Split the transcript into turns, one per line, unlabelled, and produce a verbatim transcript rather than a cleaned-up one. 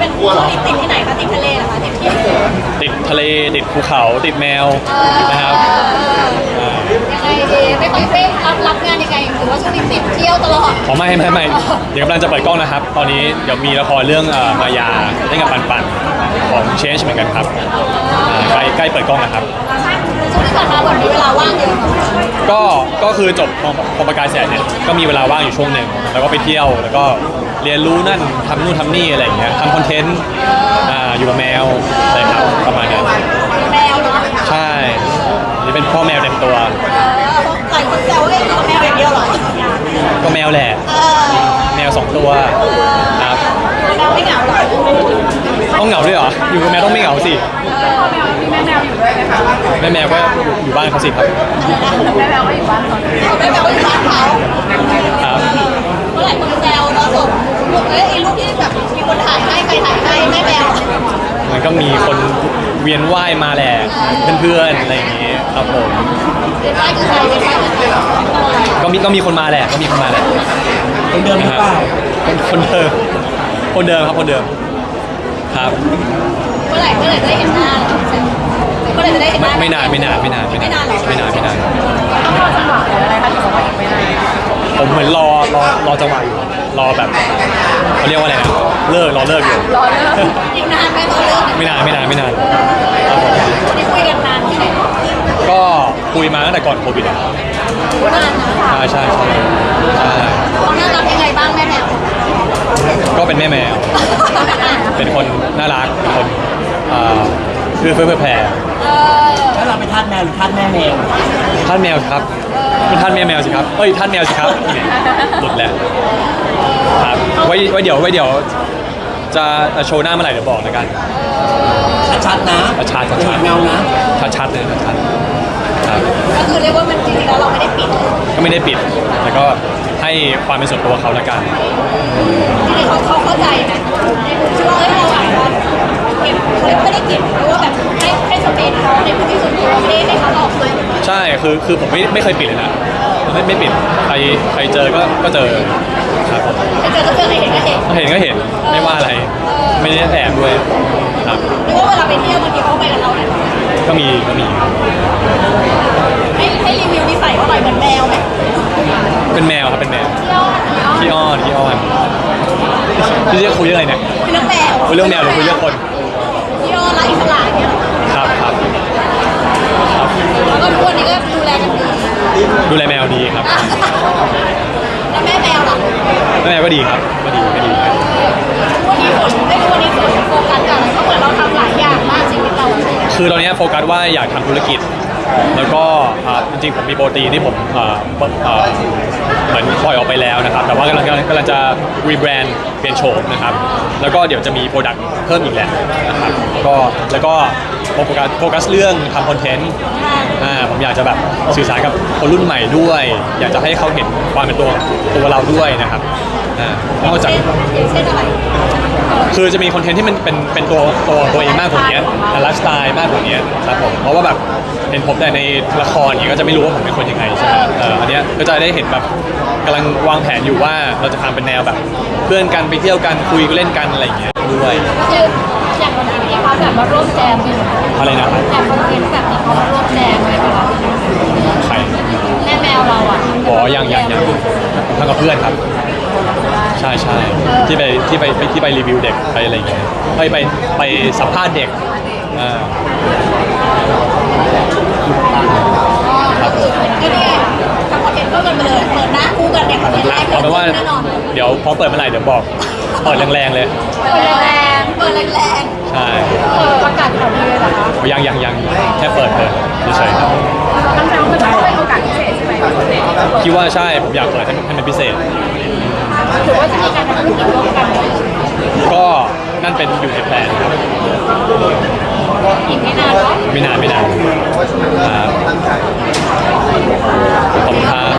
เป็นช่วงนี้ติดที่ไหนคะติดทะเลเหรอคะติดที่ไหน
ติดทะเลติดภูเขาติดแมวนะครับ
ยังไงดีไม่ค่อยเฟ้รับรับงานยังไงหรือว่าช่วงนี้ติดเที่ยวตลอด
อ๋อไม่ไม่ไม่เดี๋ยวกำลังจะเปิดกล้องนะครับตอนนี้เดี๋ยวมีละครเรื่องมายาเล่นกับปันปันของ Change เหมือนกันครับใกล้ใกล้เปิดกล้องนะครับ
ช่วงที่ผ่านมาเหมือนมีเวลาว่างเยอะ
ก็ก็คือจบพอประกายแสนเนี่ยก็มีเวลาว่างอยู่ช่วงหนึ่งแล้วก็ไปเที่ยวแล้วก็เรียนรู้นั่นทำนู่นทำนี่อะไรอย่างเงี้ยทำคอนเทนต์อยู่กับแมวอะไรครับประมาณนั้น
แมวเนาะ
ใช่นี่เป็นพ่อแมวเต็มตัว
หลายคนแซวว่าอยู่กับแมวอย่างเดียวหรอ
ก็แมวแหละแมวสองตัวครับ
แมวไม่เหงาหรอ
ต้องเหงาด้วยเหรออยู่กับแมวต้องไม่เหงาสิ
มีแม่แมวอยู่ด้วยไหมคะ
แม่แมวก็อยู่บ้านเขาสิครับ
แม่แมวก็อยู่บ้านเขาแม่แมวก็อยู่บ้านเขา
ครับ
เมื่อไหร่คนแซวเราส่งรูปเอ้ยรูปที่แบบมีคนถ่ายให้ใครถ่ายให้แม่แมว
มันก็มีคนเวียนว่ายมาแหละเพื่อนๆอะไรอย่างเงี้ยครับผม
เวียนว่ายคือใครเวียนว่ายคือใคร
ก็มีก็มีคนมาแหละก็มีคนมาแหละ
คนเดิมหรือเปล่า
คนคนเดิมคนเดิมครับคนเดิมครับ
เมื่อไหร่เมื่อไหร่จะได้เห็นหน้าเมื่อไหร่จะได้เห็นหน้า
ไม่นานไม่นานไม่นานไม่นานไม่นานไม่นาน
ต้องรอจังหวะหรืออะไรคะถึงว่าไม่นาน
ผมเหมือนรอรอรอจังหวะอยู่รอแบบเขาเรียกว่าอะไรนะเลิกรอเลิกอยู่
รอเลิกอีกนานไหมรอเลิก
ไม่นานไม่นานไม่นาน
นี่คุยกันนานที่ไหน
ก็คุยมาตั้งแต่ก่อนโควิดอ่ะ
นานนะ
ใช่ใช่ใช่
เขาน่ารักยังไงบ้างแม่แมว
ก็เป็นแม่แมวเป็นคนน่ารักเป็นคนเพื่อเพื่อเพื่อแผ่
แล้วเราเป็นทาสแมวหรือทาสแม่แมว
ทาสแมวครับเป็นทาสแม่แมวสิครับเอ้ยทาสแมวสิครับหลุดแล้วครับไว้ไว้เดี๋ยวไว้เดี๋ยวจะโชว์หน้าเมื่อไหร่เดี๋ยวบอกแล้วกัน
ชัดๆนะ
ชัดชัดชัด
แมวนะ
ชัดชัดเลยชัดครับ
ก็คือเรียกว่ามันจริงๆแล้วเราไม่ได้ปิด
ก็ไม่ได้ปิดแต่ก็ให้ความเป็นส่วนตัวเขาละกัน
จริงๆเขาเขาเข้าใจนะในมุมที่ว่าเอ้ยเราอาจจะเก็บเขาไม่ได้เก็บหรือว่าแบบให้ให้สเปซเขาในพื้นที่ส่วนตัวไม่ได้ให้เขาออกเลย
ใช่คือคือผมไม่ไม่เคยปิดเลยนะไม่ไม่ปิดใครใครเจอก็ก็เจอครับ
ใครเจอก็เจอใครเห็นก็เห็น
เห็นก็เห็นไม่ว่าอะไรไม่ได้แอบด้วยครับ
หรือว่าเวลาไปเที่ยวบางทีเขาไปกับเราเนี่ย
ก็มีก็มี
ให้ให้รีวิวนิสัยเขาหน่อยเหมือนแมวไหม
เป็นแมวครับเป็นแมวขี้อ้อนขี้อ้อนพี่จะคุยเรื่องอะไรเนี่ย
คุยเรื่องแมว
คุยเรื่องแมวหรือคุยเรื่องคน
ขี้อ้อนและอิสระเนี่ย
ครับครับ
ครับแล้วก็ทุกวันนี้ก็ดูแลกันดี
ดูแลแมวดีครับ
แล้วแม่แมวล่ะ
แม่แมวก็ดีครับก็ดีก็ดี
วันนี้ฝนไม่รู้วันนี้ฝนโฟกัสกับอะไรเพราะเหมือนเราทำหลายอย่างมากชีวิตเรา
คือตอนนี้โฟกัสว่าอยากทำธุรกิจแล้วก็จริงๆผมมีโปรตีนที่ผมเหมือนปล่อยออกไปแล้วนะครับแต่ว่ากำลังกำลังจะรีแบรนด์เปลี่ยนโฉมนะครับแล้วก็เดี๋ยวจะมีโปรดักต์เพิ่มอีกแหละนะครับก็แล้วก็โฟกัสโฟกัสเรื่องทำคอนเทนต์ผมอยากจะแบบสื่อสารกับคนรุ่นใหม่ด้วย อยากจะให้เขาเห็นความเป็นตัวตัวเราด้วยนะครับนอกจากคือจะมีคอนเทนต์ที่มันเป็นเป็นตัวตัวตัวเองมากกว่านี้ไลฟ์สไตล์มากกว่านี้ครับผมเพราะว่าแบบเห็นผมแต่ในละครอย่างนี้ก็จะไม่รู้ว่าผมเป็นคนยังไงใช่ไหมเอออันนี้ก็จะได้เห็นแบบกำลังวางแผนอยู่ว่าเราจะทำเป็นแนวแบบเพื่อนกันไปเที่ยวกันคุยเล่นกันอะไรอย่างเงี้ยด้วย
คืออย่างวันนี้มีเขาแบบมาร่วมแจมด้วย
อะไรนะครับ
อย่างคอนเทนต์แบบนี้เขามาร่วมแจมเลยค่ะ
ใคร
แม่แมวเราอ่ะ
อ๋อยังยังยังทำกับเพื่อนครับใช่ใช่ที่ไปที่ไปที่ไปรีวิวเด็กไปอะไรอย่างเงี้ยไปไปไปสัมภาษณ์เด็กอ่า
ครับก็นี่ทำคอนเทนต์ก็กันไปเลยเปิดหน้าคู่กันเนี่ยคอนเทนต์แรก
เอาเป็นว่าเดี๋ยวพอเปิดเมื่อไหร่เดี๋ยวบอกเปิดแรงๆเลย
เปิดแรงๆเปิดแรง
ๆใช่
เปิดประกาศข่าวดีเลยเหรอคะ
ยังยังยังแค่เปิดเลยเฉยๆครับ
ตั้งใจว่ามันต้องเป็นโอกาสพิเศษใช่ไหม
คิดว่าใช่ผมอยากเปิดให้มันพิเศษ
หรือว่าจะมีการทำธุรกิจร่วมกัน
ก็นั่นเป็นอยู่ในแผนครับ
อีกไม่นานเนาะ
ไม่นานไม่นานครับขอบคุณครับ